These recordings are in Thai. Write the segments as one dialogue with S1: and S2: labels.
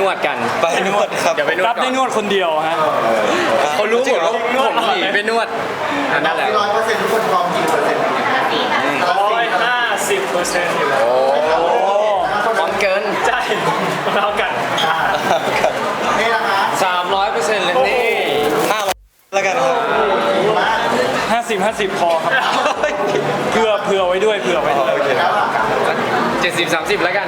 S1: วดกัน
S2: ไปนวดครับ
S1: เดี๋ยวไปนวด
S3: รับได้นวดคนเดียวฮะ
S1: เขารู้หมดว่าผมหนีไปนวดนั่นแหละ
S4: 100%ทุกคนพร้อมกี่เปอร์เซ็นต์
S3: 150%อยู่แล้ว
S1: โอ้พร้อมเกิน
S3: ใช่เท่ากัน
S4: นี่ละคะ
S1: 300%เลยนี่
S2: 500แล้วกันครับ
S3: 50 พอครับเผื่อไว้ด้วยเผื่อไว้ด้วย
S4: แล้วอ่ะ
S1: 70-30แล้วกัน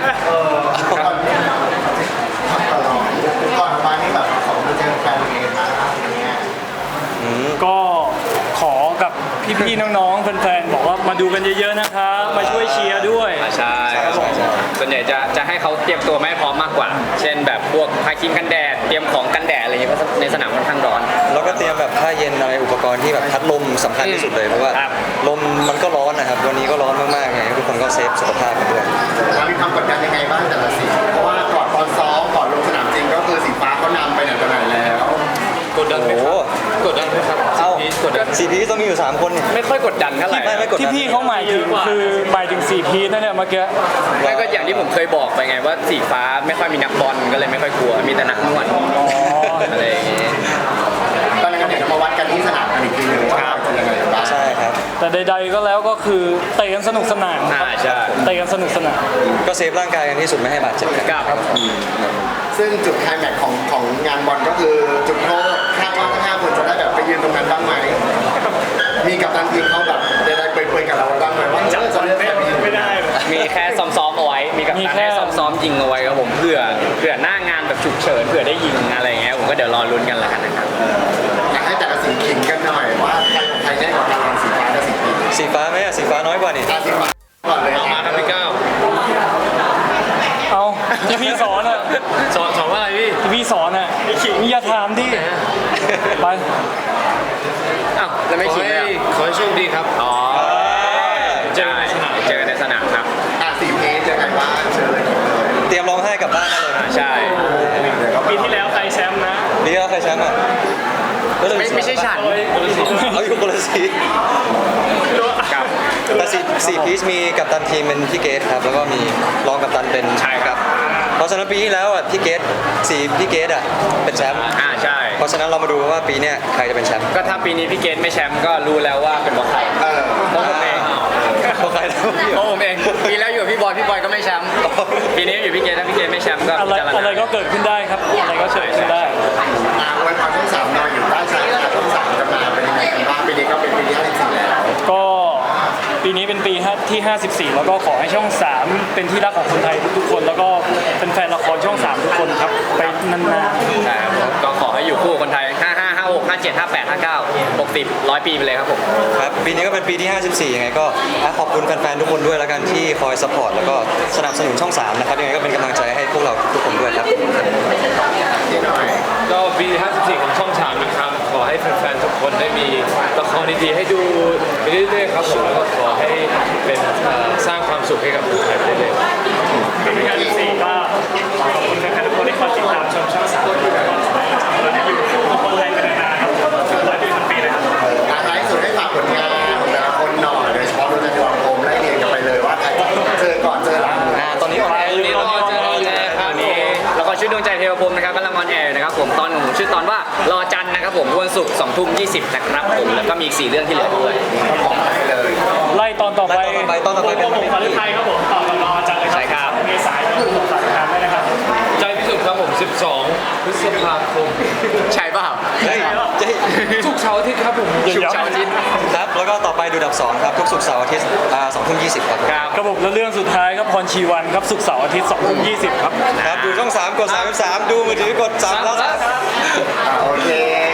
S4: ก่อนมานี่แบบของเจอแฟนเองมาอย่างเงี้ย
S3: ก็ขอกับพี่ๆน้องๆแฟนๆบอกว่ามาดูกันเยอะๆนะครับมาช่วยเชียร์ด้วย
S1: ใช่ส่วนใหญ่จะให้เขาเตรียมตัวไม่พร้อมมากกว่า เช่นแบบพวกทาครีมกันแดดเตรียมของกันแดดอะไรอย่างเงี้ยเพราะในสนามค่อนข้างร้อน
S2: แล้วก็เตรียมแบบผ้าเย็นอะไรอุปกรณ์ที่แบบพัดลมสำคัญที่สุดเลยเพราะว่า
S1: ครับ
S2: ลมมันก็ร้อนนะครับวันนี้ก็ร้อนมากๆไงทุกคนก็เซฟสุขภาพกันด้วย
S4: มีความกดดันยังไงบ้างแต่ละสีเพราะว่าก่อนตอนซ้อมก่อนลงสนามจริงก็คือสีฟ้าเขานำไปไหนต่อไหนแล้ว
S1: กดดันไหมครับกดดันไหมครับ
S2: เอ้า
S1: กดดัน
S2: 4 พีต้องมีอยู่3คนนี่
S1: ไม่ค่อยกดดันเท่าไหร่
S2: ไม่กดดัน
S3: ที่พี่เขาหมายถึงคือหมายถึง4 พีชนะเนี่ยเมื่อกี้
S1: ไม่ก็อย่างที่ผมเคยบอกไปไงว่าสีฟ้าไม่ค่อยมีนักบอลก็เลยไม่ค่อยกลัวมีแต่นักนวดอะไรอย่างงี้
S4: ตอนนั้นก็เดี๋ยวเรามาวัดกันที่สนามกันอีกทีหนึงว่าเป็นยังไงบ้าง
S2: ใช่ครับ
S3: แต่ใดๆก็แล้วก็คือเตะกันสนุกสนานครับ
S1: ใช่
S3: เตะกันสนุกสนาน
S2: ก็เซฟร่างกายกันที่สุดไม่ให้บาดเจ็บกัน
S1: ครับ
S4: ซึ่งจุดไคลแม็กซ์ของงานบอลก็คือจุดโทษคาดว่าทั้ง5คนจะได้แบบไปยืนตรงนั้นบ้างไหมมีกัปตันทีมเขาแบบได้เปรยๆกับเราบ้างไหมว่าจะเลือกแบบนี้
S3: ไม่ได้
S1: มีแค่ซ้อมๆเอาไว้มีกับ
S3: มี
S1: การ
S3: แค่
S1: ให้ซ้อมๆยิงเอาไว้ครับผมเผื่อหน้างานแบบฉุกเฉินเผื่อได้ยิงอะไรอย่างเงี้ยผมก็เดี๋ยวรอลุ้นกันละกันนะครับ
S4: อยากให้แต่ละสีขิงกันหน่อยว่าใครของใครได้กว่ากันระหว่างสีฟ้ากับสีพี
S2: สีฟ้าไหมอะสีฟ้าน้อยกว่านี่
S4: สีฟ้าก่อนเลย
S1: เอามาครับพี่ก้าว
S3: เอาที่พี่สอนอ่ะ
S1: สอนว่าอะไรพี่
S3: ที่พี่สอนอ่ะมีอย่าถามดิไป
S1: อ้าวแล้วไม่ขิงเลย
S5: ขอให้โชคดีครับ
S1: อ๋อเจอกันในสนามครับ
S4: สีเพจยังไงบ้างเชิญเลย
S2: เตรียมร้องไห้กลับบ้านได้เลย
S1: ใช่
S3: ปีที่แล้วใครแชมป์นะ
S2: นี่ก็ใครแชมป์อ่ะ
S1: ไม่ใช่ฉัน
S2: เอาอยู่คนละสี
S1: ครับ
S2: แต่สี่พีชมีกัปตันทีมเป็นพี่เกตครับแล้วก็มีรองกัปตันเป็น
S1: ใช่ครับ
S2: เพราะฉะนั้นปีที่แล้วอ่ะพี่เกตพี่เกตอ่ะเป็นแชมป์
S1: ใช่
S2: เพราะฉะนั้นเรามาดูว่าปีเนี้ยใครจะเป็นแชมป์
S1: ก็ถ้าปีนี้พี่เกณฑ์ไม่แชมป์ก็รู้แล้วว่าเป็นเพราะใครเพราะผมเอง
S2: เพราะใครแล้ว
S1: เพราะผมเองปีแล้วอยู่กับพี่บอยก็ไม่แชมป์ปีนี้อยู่พี่เกณฑ์ถ้าพี่เกณฑ์ไม่แชมป์ก็
S3: อะไร
S1: พิจารณา
S3: อะไรก็เกิดขึ้นได้ครับอะไรก็เกิดขึ้นได้
S4: วันพอช่องสามนอนอยู่ด้านซ้ายช่องสามจะมาเป็นยังไงกันบ้างปีนี้ก็เป็นปีที่54แล้ว
S3: ก็ปีนี้เป็นปีที่ 54 แล้วก็ขอให้ช่อง 3 เป็นที่รักของคนไทยทุกๆคน แล้วก็เป็นแฟนละครช่อง 3 ทุกคนครับไปนาน
S1: ใช่ครับก็ขอให้อยู่คู่กับคนไทย 55 56 57 58 59 60 100 ปีไปเลยครับผม
S2: ครับปีนี้ก็เป็นปีที่ 54 ยังไงก็ขอบคุณแฟนๆทุกคนด้วยแล้วกันที่คอยสปอร์ตแล้วก็สนับสนุนช่อง 3 นะครับยังไงก็เป็นกำลังใจให้พวกเราทุกคนด้วยครับ
S5: ก็ปี54ของช่อง3นะครับ ขอให้แฟนๆทุกคนได้มีละครดีๆให้ดูไปเรื่อยๆครับผมแล้วก็ขอให้เป็นสร้างความสุขให้กับคนไทยไปเรื่อยๆ
S3: ๆปีที่54ก็ขอบคุณแฟนๆทุกคนที่คอยติดตามชมช่อง3แล้วก็เราจะอยู่คู่กับคนไทยไปนานๆครับ100 ปีพันปีเลยครับ
S4: ท้ายสุดให้ฝากผลงานของแต่ละคนหน่อยโดยเฉพาะดูจะยอมโอมไล่เรียงกันไปเลยว่าใครเจอก่อนเจอหลัง
S2: ตอนนี้ออนแอร์อยู่
S1: นี่ละครเจอครับนี่ละครชื่อดวงใจเทวพรหมนะครับกำลังออนแอร์นะครับผมตอนของผมชื่อตอนว่ารอจันทร์นะครับผมวันศุกร์20:20นะครับผมแล้วก็มีอีก4เรื่องที่เหลือด้วย
S3: ไล่ตอนต่อไป
S2: ตอนต่อไปเป็น
S3: ผมขอไทยครับผมต่อกับรอจันทร์เลยครับ
S1: ใช่ครับ
S3: เมษายนฝากติดตามด้วยนะครับ
S5: ใจพิสุทธิ์ครับผม 12 พฤษภาคม
S1: ใช่เปล่า
S2: เฮ้ย
S5: ทุกเช้าร์อาทิตย์ครับผม
S1: ชุกเช้าร์อาทิตย์
S2: ครับแล้วก็ต่อไปดูดับ2ครับทุกศุกร์เสาร์อาทิตย์20:20ครับ
S1: ครับ
S3: กระบบและเรื่องสุดท้ายครับพรชีวันครับศุกร์เสาร์อาทิตย์20:20ครับ
S2: ครับดูช่อง3กด33ดูมือถือกด3แล้ว
S4: โอเค